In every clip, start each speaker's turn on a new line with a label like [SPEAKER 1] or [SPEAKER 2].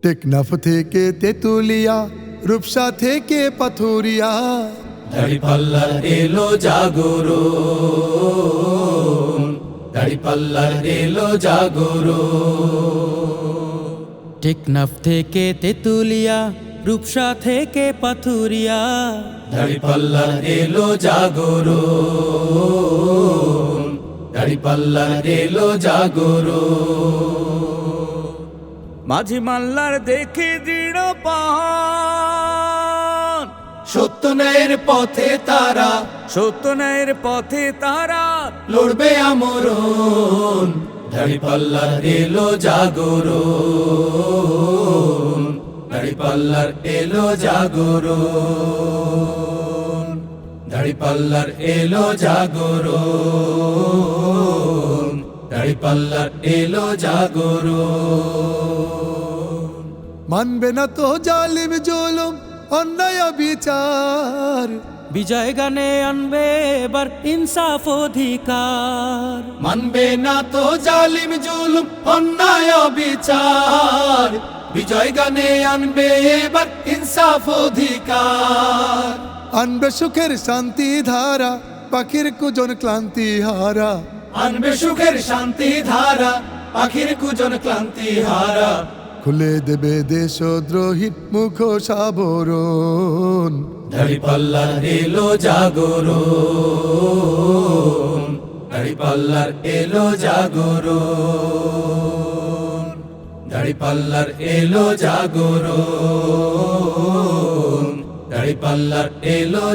[SPEAKER 1] টেকনাফ থেকে তেতুলিয়া, রূপসা থেকে পাথুরিয়া,
[SPEAKER 2] দাড়িপাল্লার এলো জাগরণ, দাড়িপাল্লার এলো জাগরণ।
[SPEAKER 3] টেকনাফ থেকে তেতুলিয়া, রূপসা থেকে পাথুরিয়া,
[SPEAKER 2] দাড়িপাল্লার এলো জাগরণ, দাড়িপাল্লার এলো জাগরণ।
[SPEAKER 3] মাঝি মাল্লার দেখে দৃঢ় পান,
[SPEAKER 2] সত্য ন্যায়ের পথে তারা,
[SPEAKER 3] সত্য ন্যায়ের পথে তারা
[SPEAKER 2] লড়বে আমরণ। দাড়িপাল্লার এলো জাগরণ, দাড়িপাল্লার এলো জাগরণ, দাড়িপাল্লার এলো জাগরণ, দাড়িপাল্লার এলো জাগরণ।
[SPEAKER 1] মানবে না তো জালিম জুলুম, অন্যায় বিচার,
[SPEAKER 3] বিজয় গানে আনবে এবার ইনসাফ অধিকার।
[SPEAKER 2] মানবে না তো জালিম জুলুম, অন্যায় বিচার, বিজয় গানে আনবে এবার ইনসাফ অধিকার।
[SPEAKER 1] আনবে সুখের শান্তি ধারা, পাখির কুজন ক্লান্তি হারা,
[SPEAKER 2] আনবে সুখের শান্তি ধারা, পাখির কুজন ক্লান্তি হারা।
[SPEAKER 1] খুলে দেবে দেশদ্রোহীর মুখ সাবরণ।
[SPEAKER 2] দাড়িপাল্লার এলো জাগরণ, দাড়িপাল্লার এলো জাগরণ, দাড়িপাল্লার এলো জাগরণ, দাড়িপাল্লার এলো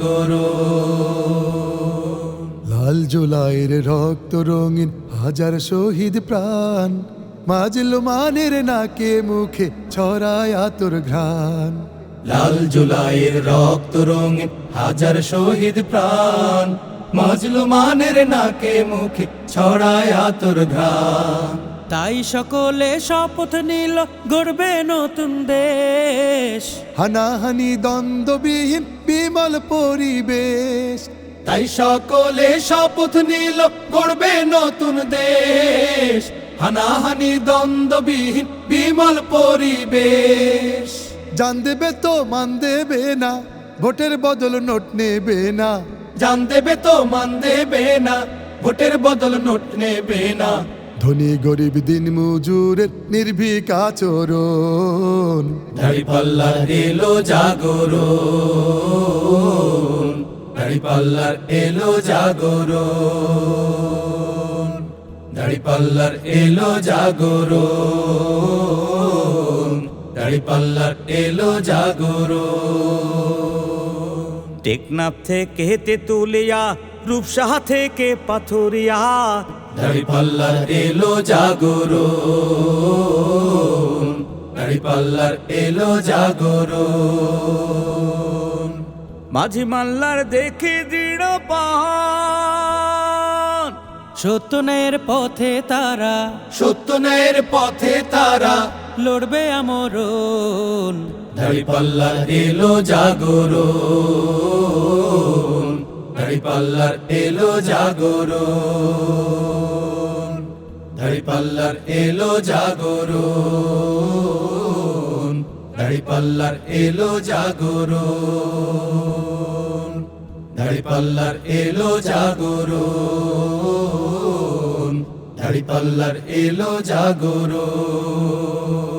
[SPEAKER 2] জাগরণ।
[SPEAKER 1] লাল জুলাইয়ের রক্ত রঙিন হাজার শহীদ প্রাণ, মাজলুমানের নাকে মুখে ছড়ায় আতর ঘ্রাণ।
[SPEAKER 2] লাল জুলাইয়ের রক্ত রঙিন হাজার শহীদ প্রাণ, মাজলুমানের নাকে মুখে ছড়ায় আতর ঘ্রাণ।
[SPEAKER 3] তাই সকলে শপথ নিল গড়বে নতুন দেশ,
[SPEAKER 1] হানাহানি দ্বন্দ্ববিহীন বিমল পরিবেশ।
[SPEAKER 2] তাই সকলে শপথ নিল গড়বে নতুন দেশ, হানাহানি দ্বন্দ্ববিহীন বিমল পরিবেশ।
[SPEAKER 1] জান দেবে তো মান দেবে না, ভোটের বদল নোট নেবে না,
[SPEAKER 2] জান দেবে তো মান দেবে না, ভোটের বদল নোট নেবে না।
[SPEAKER 1] ধনী গরিব দিন মজুরের নির্ভীক আচরণ।
[SPEAKER 2] দাড়িপাল্লার এলো জাগরণ, দাড়িপাল্লার এলো জাগরণ, দাড়িপাল্লার এলো জাগরণ, দাড়িপাল্লার এলো জাগরণ।
[SPEAKER 3] টেকনাফ থেকে তেতুলিয়া, রূপসা থেকে পাথুরিয়া,
[SPEAKER 2] দাড়িপাল্লার এলো জাগরণ, দাড়িপাল্লার এলো জাগরণ।
[SPEAKER 3] মাঝি মাল্লার দেখে দৃঢ় পান, সত্য ন্যায়ের পথে তারা,
[SPEAKER 2] সত্য ন্যায়ের পথে তারা
[SPEAKER 3] লড়বে আমরণ।
[SPEAKER 2] দাড়িপাল্লার এলো জাগরণ, দাড়িপাল্লার এলো জাগরণ, দাড়িপাল্লার এলো জাগরণ, দাড়িপাল্লার এলো জাগরণ, দাড়িপাল্লার এলো জাগরণ, দাড়িপাল্লার এলো জাগরণ।